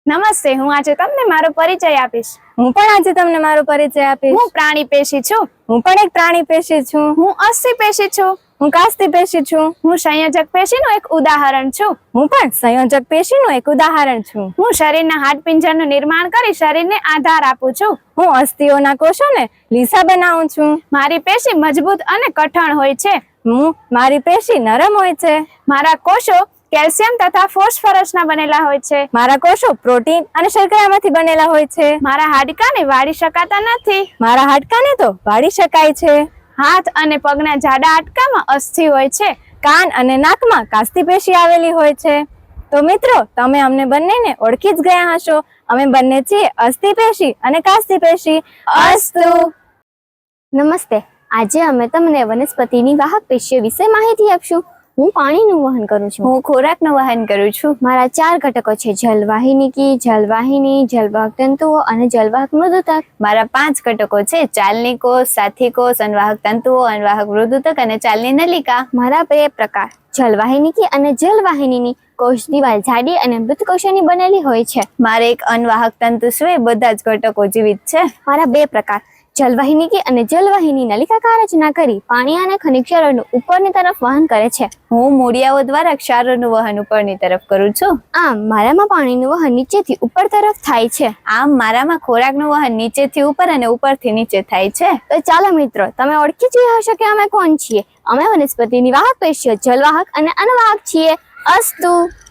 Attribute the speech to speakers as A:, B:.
A: નમસ્તે, હું આજે તમને મારો પરિચય આપીશ.
B: હું પણ આજે તમને મારો પરિચય આપીશ.
A: હું પ્રાણી પેશી છું.
B: હું પણ એક પ્રાણી પેશી છું.
A: હું અસ્થિ પેશી છું.
B: હું કાસ્તી પેશી છું.
A: હું સંયોજક પેશીનું એક ઉદાહરણ છું.
B: હું પણ સંયોજક પેશીનું એક ઉદાહરણ છું.
A: હું શરીરના હાડપિંજરનું નિર્માણ કરી શરીરને આધાર આપું છું.
B: હું અસ્થિઓના કોષોને લીસા બનાવું છું.
A: મારી પેશી મજબૂત અને કઠણ હોય છે.
B: મારી પેશી નરમ હોય છે.
A: મારા કોષો કેલ્શિયમ તથા ફોસ્ફરસના બનેલા હોય છે.
B: મારા કોષો પ્રોટીન અને શર્કરામાંથી બનેલા હોય છે.
A: મારા હાડકાને વાળી શકાતા નથી.
B: મારા હાડકાને તો વાળી શકાય છે.
A: હાથ અને પગના જાડા હાડકામાં અસ્થિ હોય છે.
B: કાન અને નાકમાં કાસ્તી પેશી આવેલી હોય છે. તો મિત્રો, તમે અમને બંનેને ઓળખી જ ગયા હશો. અમે બંને છીએ અસ્થિ પેશી અને કાસ્તી પેશી.
A: અસ્તુ.
C: નમસ્તે. આજે અમે તમને વનસ્પતિની વાહક પેશીઓ વિશે માહિતી આપશું. હું પાણીનું વહન કરું છું.
A: હું ખોરાકનું વહન કરું છું.
C: મારા 4 ઘટકો છે: જલવાહિનીકી, જલવાહિની, જલવાહક તંતુઓ અને જલવાહક મૃદુતક.
A: મારા 5 ઘટકો છે: ચાલની કોષ, સાથી કોષ, અન્વાહક તંતુઓ, અન્વાહક મૃદુતક અને ચાલની નલિકા.
C: મારા 2 પ્રકાર: જલવાહિનીકી અને જલવાહિનીની કોષ દિવાલ જાડી અને મૃત કોષોની બનેલી હોય છે.
A: મારે એક અન્વાહક તંતુ સિવાય બધા જ ઘટકો જીવિત છે.
C: મારા 2 પ્રકાર: જલવાહિનીકી અને જલવાહિની નલિકાકાર રચના કરી પાણી અને ખનિજ ક્ષારોનું ઉપરની તરફ વહન કરે છે.
A: હું મૂળિયાઓ દ્વારા ક્ષારોનું વહન ઉપરની તરફ કરું છું.
C: આમ મારામાં પાણીનું વહન નીચેથી ઉપર તરફ થાય છે.
A: આમ મારામાં ખોરાકનું વહન નીચેથી ઉપર અને ઉપરથી નીચે થાય છે.
C: તો ચાલો મિત્રો, તમે ઓળખી જ હશો કે અમે કોણ છીએ. અમે વનસ્પતિની વાહક પેશીઓ જલવાહક અને અનવાહક છીએ. અસ્તુ.